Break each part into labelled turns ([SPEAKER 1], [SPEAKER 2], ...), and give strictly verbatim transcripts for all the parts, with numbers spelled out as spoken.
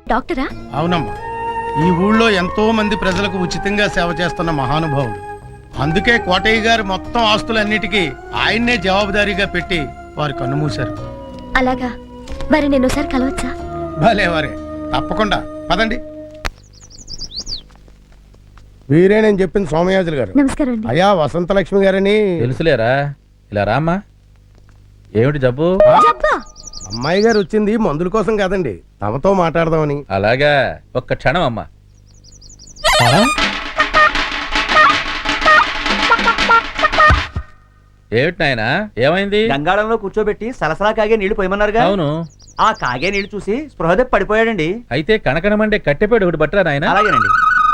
[SPEAKER 1] డాక్టరా?
[SPEAKER 2] అవునమ్మా, ఈ ఊళ్ళో ఎంతో మంది ప్రజలకు ఉచితంగా సేవ చేస్తున్న మహానుభావుడు. అందుకే కోటయ్య గారు మొత్తం ఆస్తులన్నిటికీ ఆయన్నే జవాబుదారీగా పెట్టి వారు కన్నుమూశారు.
[SPEAKER 1] అలాగా, మరి నేను ఒకసారి కలవచ్చా?
[SPEAKER 2] భలే వారే, తప్పకుండా పదండి. వీరే నేను చెప్పింది సోమయాజులు గారు.
[SPEAKER 1] నమస్కారం అండి.
[SPEAKER 2] అయ్యా వసంతలక్ష్మి గారని
[SPEAKER 3] తెలుసులేరా, ఇలా రామ్మా. ఏమిటి జబ్బు?
[SPEAKER 1] జబ్బా?
[SPEAKER 2] అమ్మాయి గారు వచ్చింది మందుల కోసం కాదండి, తమతో మాట్లాడదామని.
[SPEAKER 3] అలాగా, ఒక్క క్షణం అమ్మా. ఏమిటి నాయనా, ఏమైంది?
[SPEAKER 4] గంగాళంలో కూర్చోబెట్టి సలసలా కాగే నీళ్లు పోయమన్నారుగా.
[SPEAKER 3] అవును.
[SPEAKER 4] ఆ కాగే నీళ్లు చూసి స్పృహదే పడిపోయాడండి.
[SPEAKER 3] అయితే కనకనమండే కట్టెపేడు ఒకటి బట్టరా నాయనా.
[SPEAKER 4] అలాగేనండి.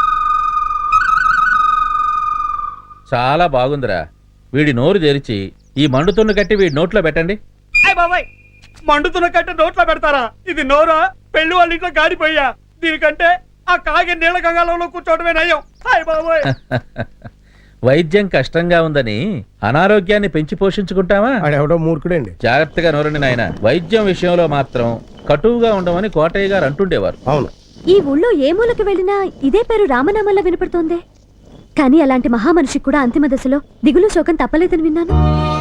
[SPEAKER 3] చాలా బాగుందిరా. వీడి నోరు తెరిచి ఈ మండుతున్న కట్టి వీడి నోట్లో పెట్టండి.
[SPEAKER 4] అయ్ బాబాయ్, మండుతున్న కట్టె నోట్లో పెడతారా? ఇది నోరా? పెళ్లి వాళ్ళ ఇంట్లో గాడిపోయా. దీనికంటే ఆ కాగే నీళ్ళ గంగాళంలో కూర్చోవడమే నయం. అయ్ బాబాయ్.
[SPEAKER 3] వైద్యం కష్టంగా ఉందని అనారోగ్యాన్ని పెంచి పోషించుకుంటావా?
[SPEAKER 2] ఆడెవడో మూర్ఖుడండి.
[SPEAKER 3] జాగ్రత్తగా నోరండి నాయన. వైద్యం విషయంలో మాత్రం కటువుగా ఉండమని కోటయ్య గారు అంటుండేవారు.
[SPEAKER 2] అవును.
[SPEAKER 1] ఈ ఊళ్ళో ఏ మూలకి వెళ్ళినా ఇదే పేరు రామనామంలో వినపడుతోంది. కానీ అలాంటి మహామనిషికి కూడా అంతిమ దశలో దిగులు శోకం తప్పలేదని విన్నాను.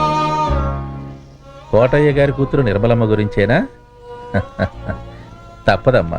[SPEAKER 3] కోటయ్య గారి కూతురు నిర్మలమ్మ గురించేనా? తప్పదమ్మా.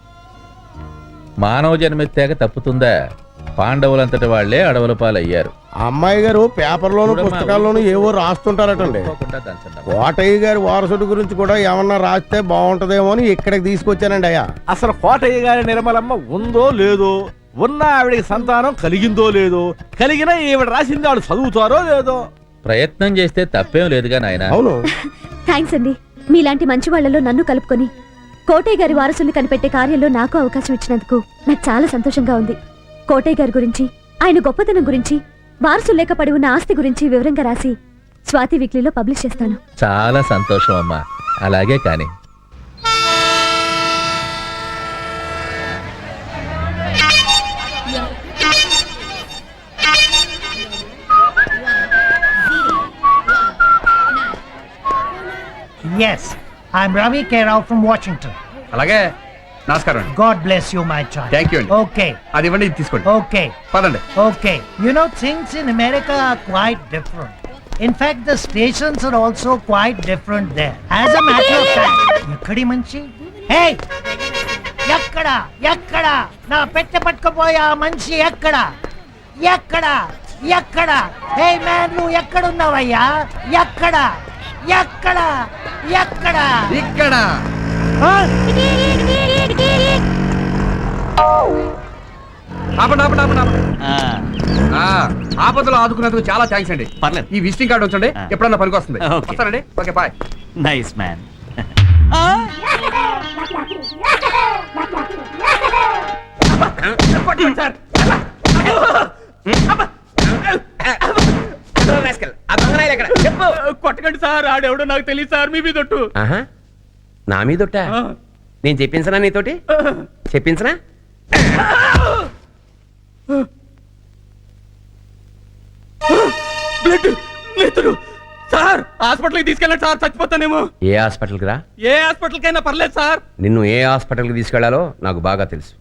[SPEAKER 3] మానవ జన్మెత్తాక తప్పుతుందా? పాండవులంతటి వాళ్లే అడవుల పాలయ్యారు.
[SPEAKER 2] అమ్మాయి గారు పేపర్లోను పుస్తకాల్లోనూ ఏవో రాస్తుంటారటండి. కోటయ్య గారి వారసుడి గురించి కూడా ఏమన్నా రాస్తే బాగుంటదేమో అని ఇక్కడికి తీసుకొచ్చానండి. అయ్యా,
[SPEAKER 5] అసలు కోటయ్య గారి నిర్మలమ్మ ఉందో లేదో, ఉన్న ఆవిడికి సంతానం కలిగిందో లేదో, కలిగినా ఈవిడ రాసింది ఆవిడ చదువుతారో లేదో.
[SPEAKER 3] ప్రయత్నం చేస్తే తప్పేం లేదుగా నాయన.
[SPEAKER 2] అవును.
[SPEAKER 1] థ్యాంక్స్ అండి. మీలాంటి మంచి వాళ్లలో నన్ను కలుపుకొని కోటయ్య గారి వారసుల్ని కనిపెట్టే కార్యంలో నాకు అవకాశం ఇచ్చినందుకు నాకు చాలా సంతోషంగా ఉంది. కోటయ్య గారి గురించి, ఆయన గొప్పతనం గురించి, వారసులు లేక పడి ఉన్న ఆస్తి గురించి వివరంగా రాసి స్వాతి వీక్లీలో పబ్లిష్ చేస్తాను.
[SPEAKER 3] చాలా సంతోషం అమ్మా. అలాగే కానీ
[SPEAKER 6] Yes, I'm Ravi K. Rao from Washington.
[SPEAKER 7] అలాగే, నమస్కారం.
[SPEAKER 6] God bless you, my child.
[SPEAKER 7] Thank you.
[SPEAKER 6] Okay.
[SPEAKER 7] అది ఇవ్వండి, ఇది తీసుకోండి.
[SPEAKER 6] Okay.
[SPEAKER 7] పదండి.
[SPEAKER 6] Okay. You know, things in America are quite different. In fact, the stations are also quite different there. As a matter of fact, ఎక్కడి మంచి? Hey! ఎక్కడ? ఎక్కడ? నా పెట్టె పట్టుకుపోయా మనిషి ఎక్కడ? ఎక్కడ? ఎక్కడ? Hey man, నువ్వు ఎక్కడున్నావయ్యా? ఎక్కడ? ఎక్కడ? ఎక్కడ?
[SPEAKER 7] ఇక్కడ. ఆపండి, ఆపండి, ఆపండి, ఆపండి. ఆ, ఆపదలో ఆదుకున్నందుకు చాలా థ్యాంక్స్ అండి.
[SPEAKER 4] పర్లేదు.
[SPEAKER 7] ఈ విజిటింగ్ కార్డు ఉంచండి, ఎప్పుడన్నా పనికి వస్తుంది.
[SPEAKER 4] Okay.
[SPEAKER 7] వస్తానండి. Okay, bye.
[SPEAKER 4] Nice man.
[SPEAKER 7] కొట్టకండి సార్, ఆడెవడో నాకు తెలియదు సార్. మీ మీదొట్టు.
[SPEAKER 8] నా మీదొట్ట? నేను చెప్పించనా నీతోటి? చెప్పించనా?
[SPEAKER 7] బ్లడ్ నేతలు సార్, హాస్పిటల్కి తీసుకెళ్ళండి సార్, చచ్చిపోతానేమో.
[SPEAKER 8] ఏ హాస్పిటల్కి రా?
[SPEAKER 7] ఏ హాస్పిటల్ కైనా పర్లేదు సార్.
[SPEAKER 8] నిన్ను ఏ హాస్పిటల్కి తీసుకెళ్లాలో నాకు బాగా తెలుసు.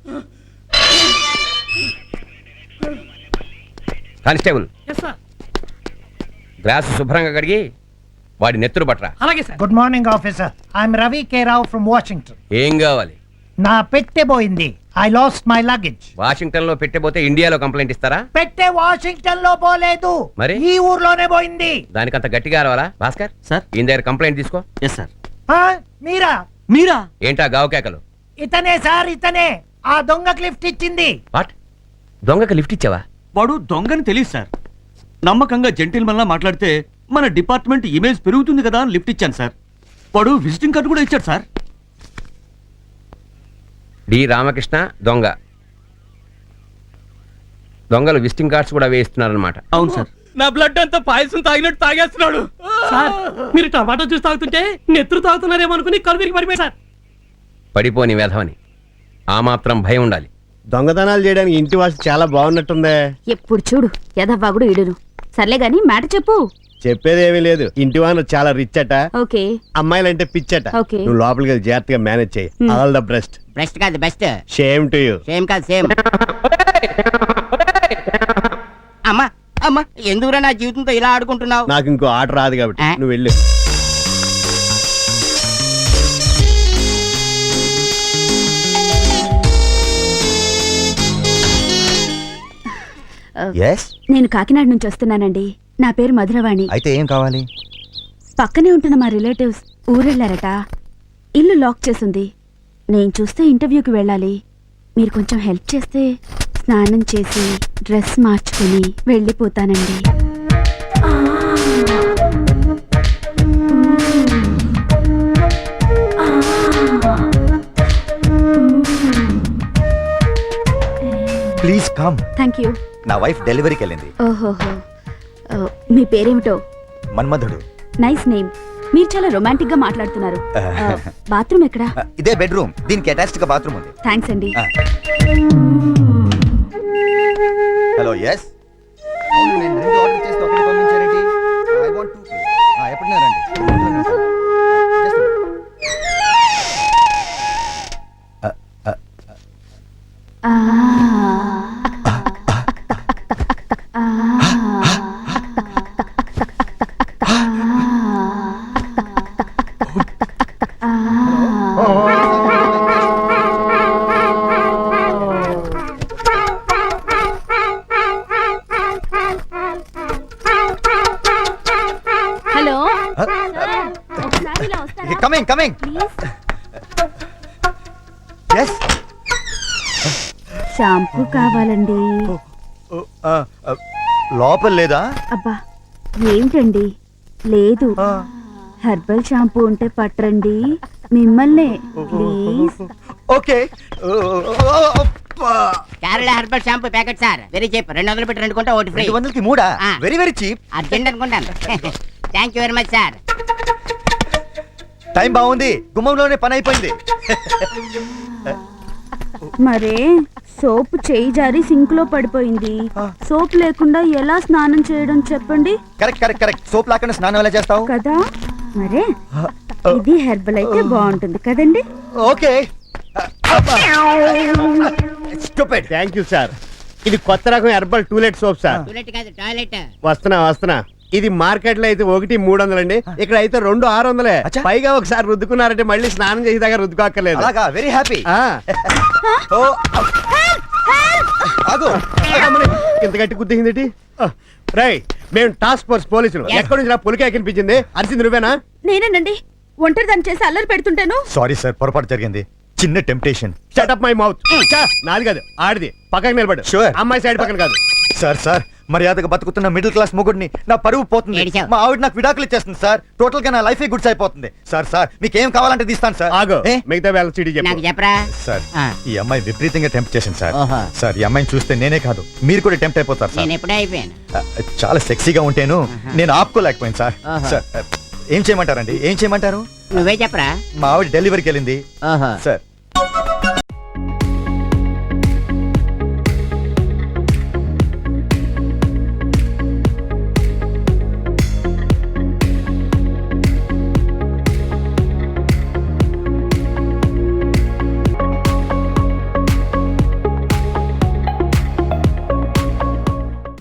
[SPEAKER 8] కానిస్టేబుల్, గ్లాసు శుభ్రంగా కడిగి వాడి నెత్తురు పట్టరా.
[SPEAKER 7] అలాగే sir.
[SPEAKER 6] Good morning, officer. I'm Ravi K. Rao from Washington.
[SPEAKER 8] ఏం కావాలి?
[SPEAKER 6] నా పెట్టె పోయింది. I lost my luggage.
[SPEAKER 8] Washington లో పెట్టబోతే ఇండియాలో కంప్లైంట్ ఇస్తారా?
[SPEAKER 6] పెట్టె వాషింగ్టన్ లో పోలేదు,
[SPEAKER 8] మరి
[SPEAKER 6] ఈ ఊర్లోనే పోయింది.
[SPEAKER 8] దానికంత గట్టిగా రావాలా? భాస్కర్
[SPEAKER 4] సార్.
[SPEAKER 8] ఈయన దగ్గర కంప్లైంట్ తీసుకో.
[SPEAKER 4] Yes sir.
[SPEAKER 6] ఆ, మీరా?
[SPEAKER 4] మీరా?
[SPEAKER 8] ఏంటా గావు కేకలు?
[SPEAKER 6] ఇతనే సార్, ఇతనే ఆ దొంగకి లిఫ్ట్ ఇచ్చింది.
[SPEAKER 8] వాట్? దొంగకి లిఫ్ట్ ఇచ్చావా?
[SPEAKER 4] వాడు దొంగని తెలియదు సార్. నమ్మకంగా జెంటిల్మన్ లా మాట్లాడితే మన డిపార్ట్మెంట్ ఇమేజ్ పెరుగుతుంది కదా అని లిఫ్ట్ ఇచ్చాను సార్. వాడు విజిటింగ్ కార్డు కూడా ఇచ్చాడు సార్.
[SPEAKER 8] డి రామకృష్ణ దొంగ. దొంగలు విజిటింగ్ కార్డ్స్ కూడా వేయిస్తున్నారన్నమాట.
[SPEAKER 4] అవును సార్.
[SPEAKER 7] నా బ్లడ్ అంతా పాయసం తాగినట్టు తాగేస్తున్నాడు
[SPEAKER 9] సార్. మీరు టమాటో జ్యూస్ తాగుతుంటే నెత్తురు తాగుతున్నారేమో అనుకుని కళ్ళు విరిగి పడిపోయి సార్.
[SPEAKER 8] పడిపోని వేధవని, ఆ మాత్రం భయం ఉండాలి.
[SPEAKER 2] దొంగతనాలు చేయడానికి ఇంటి వాసు చాలా బాగున్నట్టుందే.
[SPEAKER 1] ఎప్పుడు చూడు యదవ్వాగుడు ఇడును. సర్లే గాని మాట చెప్పు.
[SPEAKER 10] చెప్పేది ఏమీ లేదు ఇంటి వాను చాలా రిచ్ అట,
[SPEAKER 1] ఓకే
[SPEAKER 10] అమ్మాయిలంటే పిచ్చట.
[SPEAKER 1] ఓకే.
[SPEAKER 10] నువ్వు లోపలికి వెళ్ళి జాగ్రత్తగా మేనేజ్ చేయి. All the best.
[SPEAKER 11] బెస్ట్ కాదు best.
[SPEAKER 10] Shame to you.
[SPEAKER 11] Same కాదు సేమ్. అమ్మా అమ్మా ఎందుకురా నా జీవితంతో ఇలా ఆడుకుంటున్నావు?
[SPEAKER 10] నాకు ఇంకో ఆట రాదు కాబట్టి
[SPEAKER 11] ఆ?
[SPEAKER 10] నువ్వు వెళ్ళు.
[SPEAKER 1] నేను కాకినాడ నుంచి వస్తున్నానండి. నా పేరు మధురవాణి.
[SPEAKER 12] అయితే ఏం కావాలి?
[SPEAKER 1] పక్కనే ఉంటున్న మా రిలేటివ్స్ ఊరెళ్ళారట. ఇల్లు లాక్ చేసింది. నేను చూస్తే ఇంటర్వ్యూకి వెళ్ళాలి. మీరు కొంచెం హెల్ప్ చేస్తే స్నానం చేసి డ్రెస్ మార్చుకుని వెళ్ళిపోతానండి.
[SPEAKER 12] Please come.
[SPEAKER 1] Thank you.
[SPEAKER 12] నా వైఫ్ డెలివరీకి వెళ్ళింది.
[SPEAKER 1] ఓహోహో. ఓ, మీ పేరేమిటో?
[SPEAKER 12] మన్మధుడు.
[SPEAKER 1] Nice name. మీరు చాలా రొమాంటిక్ గా మాట్లాడుతున్నారు. బాత్రూమ్ ఎక్కడా?
[SPEAKER 12] ఇదే బెడ్రూమ్, దీనికి అటాచ్డ్ గా బాత్రూమ్ ఉంది.
[SPEAKER 1] థ్యాంక్స్ అండి.
[SPEAKER 12] Hello yes. అవును నేను రెండు ఆర్డర్ చేస్తే ఒకటి పంపించారేంటి? I want to. ఆ ఎప్పుడున్నారండి? Just a minute.
[SPEAKER 1] ఆ. ఆ. హలో ఒకసారి ఇలా వస్తారా?
[SPEAKER 12] Coming coming.
[SPEAKER 1] Please.
[SPEAKER 12] Yes.
[SPEAKER 1] Shampoo కావాలండి.
[SPEAKER 12] లోపల లేదా?
[SPEAKER 1] అబ్బా ఏంటండి లేదు. హెర్బల్ షాంపూ ఉంటే పట్టరండి. మిమ్మల్నే please.
[SPEAKER 12] Okay.
[SPEAKER 11] Kerala herbal shampoo packet sir, very cheap. రెండు వందలు పెట్టి రెండు కొంటే ఒకటి ఫ్రీ.
[SPEAKER 12] రెండు వందలకి మూడా?
[SPEAKER 11] ఆ.
[SPEAKER 12] Very very cheap.
[SPEAKER 11] అర్జెంట్ అనుకుంటాను. Thank you very much sir.
[SPEAKER 12] Time బాగుంది, గుమ్మంలోనే పని అయిపోయింది.
[SPEAKER 1] మరే సోప్ చేయి జారి సింక్ లో పడిపోయింది. సోప్ లేకుండా ఎలా స్నానం చేయడం చెప్పండి.
[SPEAKER 12] Correct correct correct. సోప్ లేకుండా స్నానం ఎలా చేస్తావు?
[SPEAKER 1] కదా మరే ఇది హెర్బల్ అయితే బాగుంటుంది కదండి.
[SPEAKER 12] Okay. Stupid.
[SPEAKER 10] Thank you sir. ఇది కొత్త రకం herbal to let soap sir.
[SPEAKER 11] To let కాదు టాయిలెట్.
[SPEAKER 10] వస్తున్నా వస్తున్నా. ఇది మార్కెట్ లో అయితే ఒకటి మూడు వందలండి, ఇక్కడ అయితే రెండు ఆరు వందలే.
[SPEAKER 12] అచ్చా.
[SPEAKER 10] పైగా ఒకసారి రుద్దుకున్నారంటే మళ్ళీ స్నానం చేసేదాకా రుద్దుకోక్కర్లేదు.
[SPEAKER 12] అలాగా, వెరీ హ్యాపీ.
[SPEAKER 10] ఆ.
[SPEAKER 12] ఆగు.
[SPEAKER 10] ఇంత గట్టి గుద్దింది. రై మేము టాస్క్ ఫోర్స్ పోలీసులు.
[SPEAKER 11] Yes.
[SPEAKER 10] ఎక్కడి నుంచి నా పొలికే కనిపించింది? అరిసింది నువ్వేనా?
[SPEAKER 1] నేనేనండి. ఒంటరి దాన్ని చేసి అల్లరి పెడుతుంటాను.
[SPEAKER 12] సారీ సార్, పొరపాటు జరిగింది. చిన్న temptation.
[SPEAKER 10] Shut up my mouth. నాది కాదు ఆడిది. పక్కకి నిలబడు.
[SPEAKER 12] Sure.
[SPEAKER 10] అమ్మాయి సైడ్ పక్కన కాదు.
[SPEAKER 12] సార్ సార్ మర్యాదగా బతుకుతున్న మిడిల్ క్లాస్ మొగుడిని నా పరువు పోతుంది.
[SPEAKER 11] ఏడిచావు.
[SPEAKER 12] మా ఆవిడ నాకు విడాకులు ఇచ్చేస్తుంది సార్. టోటల్ గా నా లైఫ్ గుడ్స్ అయిపోతుంది. సార్ సార్ మీకేం కావాలంటే తీస్తాను సార్.
[SPEAKER 10] ఆగు.
[SPEAKER 12] ఏ?
[SPEAKER 10] మిగతా వేళ సిటీ
[SPEAKER 11] నాకు
[SPEAKER 10] చెప్పు.
[SPEAKER 11] చెప్పరా?
[SPEAKER 12] సార్
[SPEAKER 11] ఆ.
[SPEAKER 12] ఈ అమ్మాయి విపరీతంగా టెంప్ట్ చేసింది సార్.
[SPEAKER 11] ఓహో.
[SPEAKER 12] సార్ ఈ అమ్మాయిని చూస్తే నేనే కాదు మీరు కూడా టెంప్ట్ అయిపోతారు సార్.
[SPEAKER 11] నేను ఎప్పుడే అయిపోయాను.
[SPEAKER 12] ఆ, చాలా సెక్సీగా ఉంటేను నేను ఆపుకోలేకపోయాను సార్.
[SPEAKER 11] ఓహో.
[SPEAKER 12] సార్ ఆ, ఏం చేయమంటారండి? ఏం చేయమంటారు?
[SPEAKER 11] నువ్వే చెప్పరా?
[SPEAKER 12] మా ఆవిడ డెలివరీకి వెళ్ళింది
[SPEAKER 11] ఓహో.
[SPEAKER 12] సార్.